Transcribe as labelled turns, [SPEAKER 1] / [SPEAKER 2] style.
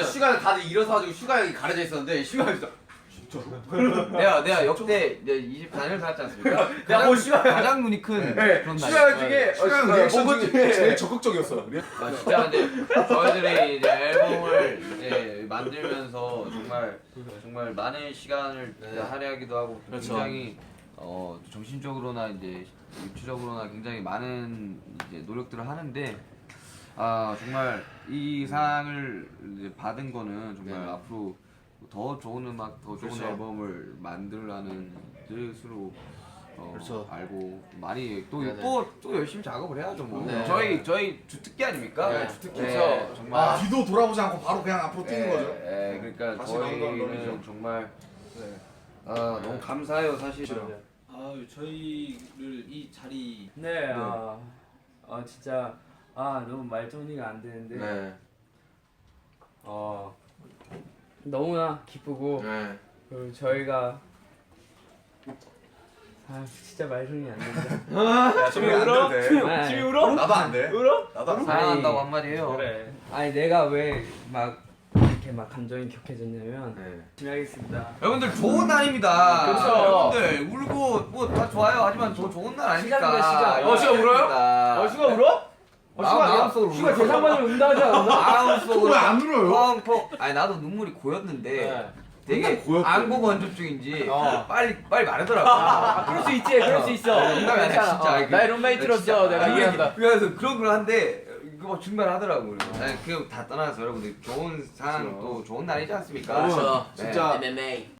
[SPEAKER 1] 시간에 다들 일어서가지고 슈가형이 가려져 있었는데 슈가형이
[SPEAKER 2] 내가 역대 24년을 살았지 않습니까?
[SPEAKER 1] 내가 뭐 슈가형
[SPEAKER 2] 가장 눈이 큰
[SPEAKER 1] 네,
[SPEAKER 2] 그런
[SPEAKER 1] 슈가형 중에
[SPEAKER 3] 슈가형 리액션
[SPEAKER 1] 본
[SPEAKER 3] 중에 제일 적극적이었어.
[SPEAKER 2] 아 진짜 근데 저희들이 이제 앨범을 이제 만들면서 정말 많은 시간을 할애하기도 하고
[SPEAKER 1] 그렇죠.
[SPEAKER 2] 굉장히 정신적으로나 이제 육체적으로나 굉장히 많은 이제 노력들을 하는데 아 정말 이 상을 이제 받은 거는 정말 앞으로 더 좋은 음악, 더 좋은 앨범을 만들라는 뜻으로
[SPEAKER 1] 그렇죠.
[SPEAKER 2] 알고 많이 또 열심히 작업을 해야죠 뭐.
[SPEAKER 1] 네.
[SPEAKER 2] 저희 주특기 아닙니까?
[SPEAKER 1] 네, 주특기죠.
[SPEAKER 2] 네, 정말.
[SPEAKER 3] 뒤도 돌아보지 않고 바로 그냥 앞으로 뛰는 거죠.
[SPEAKER 2] 그러니까
[SPEAKER 3] 다시 나온다는
[SPEAKER 2] 저희는
[SPEAKER 3] 놈이죠.
[SPEAKER 2] 정말 너무 감사해요 사실.
[SPEAKER 4] 저희를 이 자리
[SPEAKER 5] 네, 진짜 너무 말 정리가 안 되는데
[SPEAKER 1] 네.
[SPEAKER 5] 너무나 기쁘고 그리고 저희가 진짜 말 정리 안 된다.
[SPEAKER 3] 지금 울어?
[SPEAKER 5] 지금
[SPEAKER 3] 울어? 나도 안 돼.
[SPEAKER 5] 울어?
[SPEAKER 3] 나도 안 돼.
[SPEAKER 2] 사랑한다고 한마디 해요.
[SPEAKER 5] 그래. 아니 내가 왜 막 이렇게 막 감정이 격해졌냐면 열심히 하겠습니다.
[SPEAKER 2] 여러분들 좋은 날입니다.
[SPEAKER 5] 그렇죠.
[SPEAKER 2] 여러분들 울고 뭐 다 좋아요. 하지만 더 좋은 날 아닙니까?
[SPEAKER 5] 시작이다, 시작.
[SPEAKER 1] 슈가 울어요?
[SPEAKER 5] 슈가 울어?
[SPEAKER 2] 마음속으로
[SPEAKER 5] 슈가 대상반을 운다 하지 않았나?
[SPEAKER 2] 마음속으로
[SPEAKER 3] 왜안 울어요?
[SPEAKER 2] 펑펑. 아니 나도 눈물이 고였는데 되게
[SPEAKER 3] 맨날 고였대.
[SPEAKER 2] 안고 건조증인지 빨리 마르더라고.
[SPEAKER 5] 그럴 수 있지, 그럴 수 있어.
[SPEAKER 2] 농담이 아니라
[SPEAKER 5] 괜찮아.
[SPEAKER 2] 진짜.
[SPEAKER 5] 나의 룸메이트로서 내가 이해한다.
[SPEAKER 2] 그래서 그런 걸 한데 이거 막 중단하더라고. 그거 다 떠나서 여러분들 좋은 상 또 좋은 날이지 않습니까?
[SPEAKER 1] 그렇죠.
[SPEAKER 2] 네.
[SPEAKER 3] 진짜
[SPEAKER 1] MMA